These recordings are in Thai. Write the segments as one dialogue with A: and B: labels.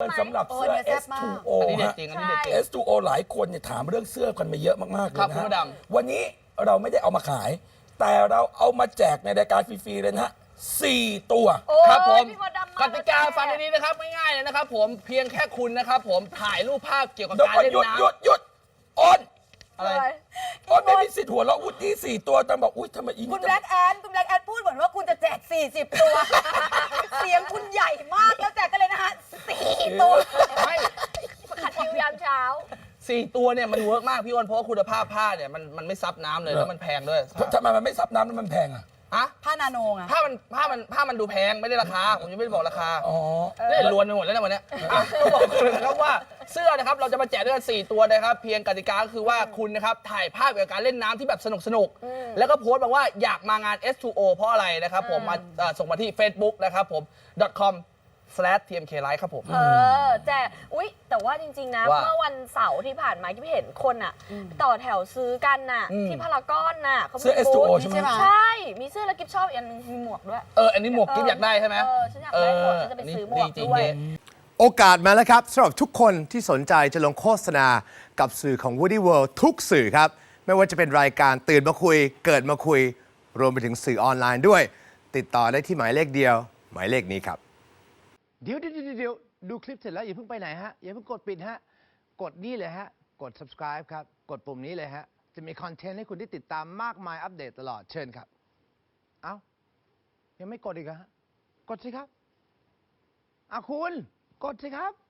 A: สำหรับเสื้อ S2O
B: อันนี้เด็ด
A: ฮะ
B: จริงอันนี้เด็ดจริง
A: S2O หลายคนเนี่ยถามเรื่องเสื้อกันมาเยอะมากๆเลย
B: ครับ
A: นะ
B: คุณ
A: ฮะ
B: มดดำ
A: วันนี้เราไม่ได้เอามาขาย แต่เราเอามาแจกในรายการฟรีๆเลยนะฮะ4 ตัว
B: ครับผม
C: พี่มดดำ
B: กติกาฟังดีๆนะครับง่ายๆเลยนะครับผมเพียงแค่คุณนะครับผมถ่ายรูปภาพเกี่ยวกับ
A: เดี๋ยว
B: การ
A: ก่อน
B: เล่น
A: หยุด
B: น้ำ
A: หยุดหยุดอ้น
B: อะไร
A: อ้นไม่มีสิทธิ์หัวเราะวุฒิ4 ตัวแต่บอกอุ้ยทำไมอี
D: คุณแบล็กแอนพูดเหมือนว่าคุณจะแจก40 ตัว เสียงคุณใหญ่มากแล้วแจกกันเลยนะคะ4 ตัว
B: ไม่
C: ขัดคิวยามเช้า
B: 4 ตัวเนี่ยมันเวิร์กมากพี่อ้นเพราะว่าคุณภาพผ้าเนี่ยมันไม่ซับน้ำเลยแล้วมันแพงด้วย
A: ทำไมมันไม่ซับน้ำแล้วมันแพงอ่ะ
B: อะ
D: ผ้านาโนไง
B: ผ้ามันดูแพงไม่ได้ราคาผมยังไม่ได้บอกราคา
A: อ๋อ
B: เล่นลวนไปหมดแล้วนะวันเนี้ยต้องบอกเลยนะครับว่าเสื้อนะครับเราจะมาแจกด้วยกัน4 ตัวนะครับเพียงกติกาก็คือว่าคุณนะครับถ่ายภาพเกี่ยวกับการเล่นน้ำที่แบบสนุกแล้วก็โพสต์บอกว่าอยากมางาน S2O เพราะอะไรนะครับผมมาส่งมาที่ Facebook นะครับผม .com/tmklive ครับผม
C: แจกอุ๊ย แต่ว่าจริง ๆ นะ
B: ว่า
C: เมื่อวันเสาร์ที่ผ่านมาที่เห็นคนอ่ะ ต่อแถวซื้อกันน่ะ ที่พารากอนน่ะเขา
A: เสื้อ
C: มีบูธ
A: S2O ใช่ไหม
C: ใช่ มีเสื้อแล้วกิฟชอบอีกอันนึงมีหมวกด้วย
B: อันนี้หมวกกิ๊บอยากได้ใช่ไหม
C: ฉันอยากได้หมวกฉันจะไปซื้อหมวก
B: จริง
C: ด้วย
E: โอกาสมาแล้วครับสำหรับทุกคนที่สนใจจะลงโฆษณากับสื่อของ Woody World ทุกสื่อครับ ไม่ว่าจะเป็นรายการตื่นมาคุย เกิดมาคุย รวมไปถึงสื่อออนไลน์ด้วย ติดต่อได้ที่หมายเลขเดียว หมายเลขนี้ครับ
F: เดี๋ยวดูคลิปเสร็จแล้วอย่าเพิ่งไปไหนฮะ อย่าเพิ่งกดปิดฮะ กดนี่เลยฮะ กด subscribe ครับ กดปุ่มนี้เลยฮะ จะมีคอนเทนต์ให้คุณได้ติดตามมากมายอัปเดตตลอดเชิญครับ เอ้า ยังไม่กดอีกเหรอฮะ กดสิครับคุณกดสิครับ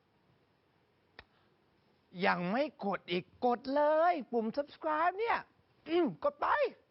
F: ยังไม่กดอีกกดเลย ปุ่ม subscribe เนี่ยกดไป